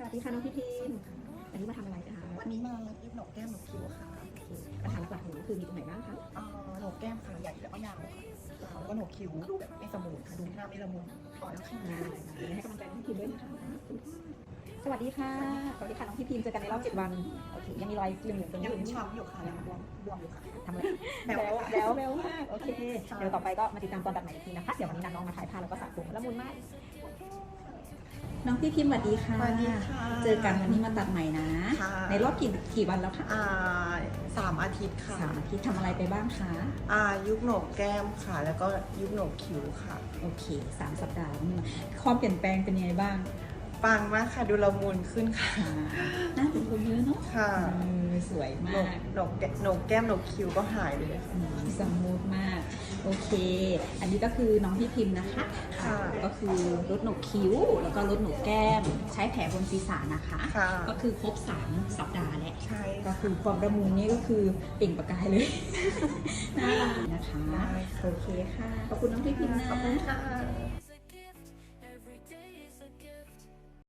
สดีค่ะน้องพี่พิมวันนี้มาทำอะไรคะวันนี้มาเย็บโหนกแก้มโหนกคิ้วค่ะปัญหาหลักๆของหนูคือมีตรงไหนบ้างคะโหนกแก้มค่ะใหญ่แล้วก็ยาวค่ะแล้วก็โหนกคิ้วดูแบบไม่สมูทค่ะดูหน้าไม่ละมุนพอแล้วค่ะให้กำลังใจน้องพี่พิมด้วยนะคะสวัสดีค่ะสวัสดีค่ะน้องพี่พิมเจอกันในรอบ7 วันโอเคยังมีรอยเหลืองๆตรงยันี้งช้ำอยู่ค่ะยังบวมอยู่ค่ะทำอะไรแบแบวมากโอเคเดี๋ยวต่อไปก็มาติดตามตอนตัดใหม่อีกทีนะคะเดี๋ยววันนี้น้องมาถ่ายภาพแล้วก็สระผมละมุนมากน้องพี่พิมสวัสดีค่ะสวัสดีค่ะเจอกันวันนี้มาตัดใหม่นะค่ะในรอบกี่วันแล้วคะ 3 อาทิตย์ค่ะ 3 อาทิตย์ทำอะไรไปบ้างคะยุบโหนกแก้มค่ะ แล้วก็ยุบโหนกคิ้วค่ะโอเค3 สัปดาห์นี่ความเปลี่ยนแปลงเป็นยังไงบ้างปังมากค่ะดูละมุนขึ้นค่ะหน้าเป็นคนเยอะเนาะค่ะสวยโหนมากโหนกแก้มโหนกคิ้วก็หายเลยค่ะสมูทมาก โอเค อันนี้ก็คือน้องพี่พิมพ์นะคะค่ะก็คือลดโหนกคิ้ว แล้วก็ลดโหนกแก้ม ใช้แผลบนศีรษะนะคะค่ะก็คือครบ3 สัปดาห์แล้วใช่ก็คือความระมุนนี่ก็คือเปล่งประกายเลย น่ารักนะคะได้ค่ะโอเคค่ะ ขอบคุณน้องพี่พิมพ์นะขอบคุณค่ะ